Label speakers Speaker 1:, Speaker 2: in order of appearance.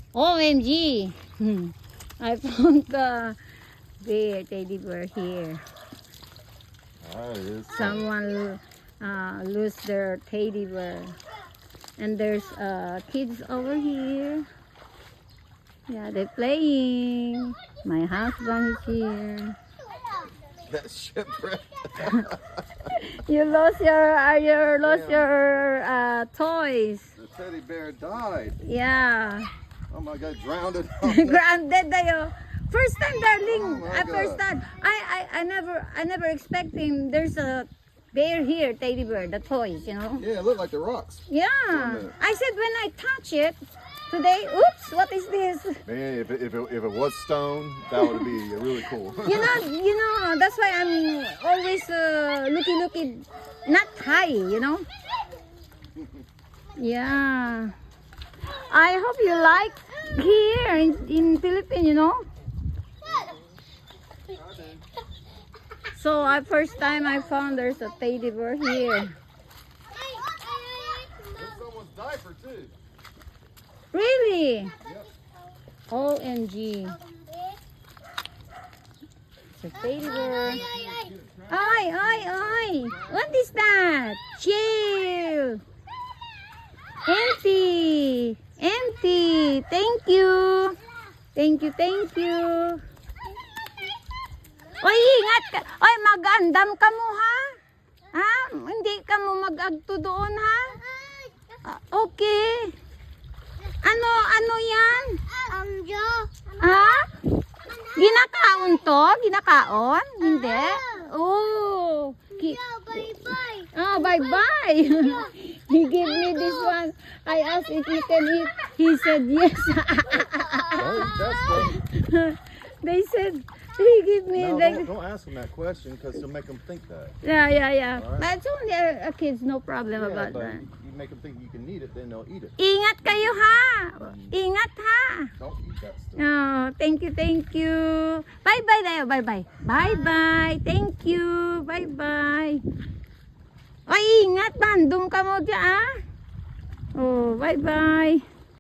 Speaker 1: OMG. I found the bear, teddy bear here. Someone lose their teddy bear. And there's kids over here. Yeah, they're playing. My husband is here.
Speaker 2: That shipwreck.
Speaker 1: You lost your toys.
Speaker 2: The teddy bear died.
Speaker 1: Yeah.
Speaker 2: Oh my God, drowned it.
Speaker 1: Grounded tayo. First time, darling.
Speaker 2: Oh my
Speaker 1: First
Speaker 2: God.
Speaker 1: time. I never expecting there's a bear here, teddy bear, the toys, you know.
Speaker 2: Yeah, it looked like the rocks.
Speaker 1: Yeah.
Speaker 2: minute.
Speaker 1: I said when I touch it today, oops, what is this?
Speaker 2: Man, if it was stone, that would be really cool.
Speaker 1: You know, that's why I'm always looking, not high, you know. Yeah. I hope you like here in Philippines, you know. So first time I found there's a teddy bear here.
Speaker 2: There's someone's diaper too.
Speaker 1: Really?
Speaker 2: Yep.
Speaker 1: OMG. It's a teddy bear. Ay. What is that? Chill. Empty. Thank you. Oy, ingat ka. Oy, mag-andam ka mo, ha? Ha? Hindi ka mo mag-agto doon, ha? Okay. Ano yan? Ha? Ginakaon to? Ginakaon? Hindi? Oh.
Speaker 3: Bye-bye.
Speaker 1: Oh, bye-bye. He gave me this one. I asked if he can eat. He said yes. They said, he gave me
Speaker 2: No,
Speaker 1: the...
Speaker 2: don't ask them that question because it'll make them think that.
Speaker 1: Yeah.
Speaker 2: All right.
Speaker 1: But it's only a kids, no problem
Speaker 2: Yeah,
Speaker 1: about
Speaker 2: but
Speaker 1: that.
Speaker 2: you make them think you can eat it, then they'll eat it.
Speaker 1: Ingat kayo, ha? Ingat, ha?
Speaker 2: Don't eat that stuff.
Speaker 1: Oh, thank you. Bye-bye tayo, bye-bye. Bye-bye. Thank you. Bye-bye. Ay, ingat, bandong ka mo dyan, ah. Oh, bye-bye.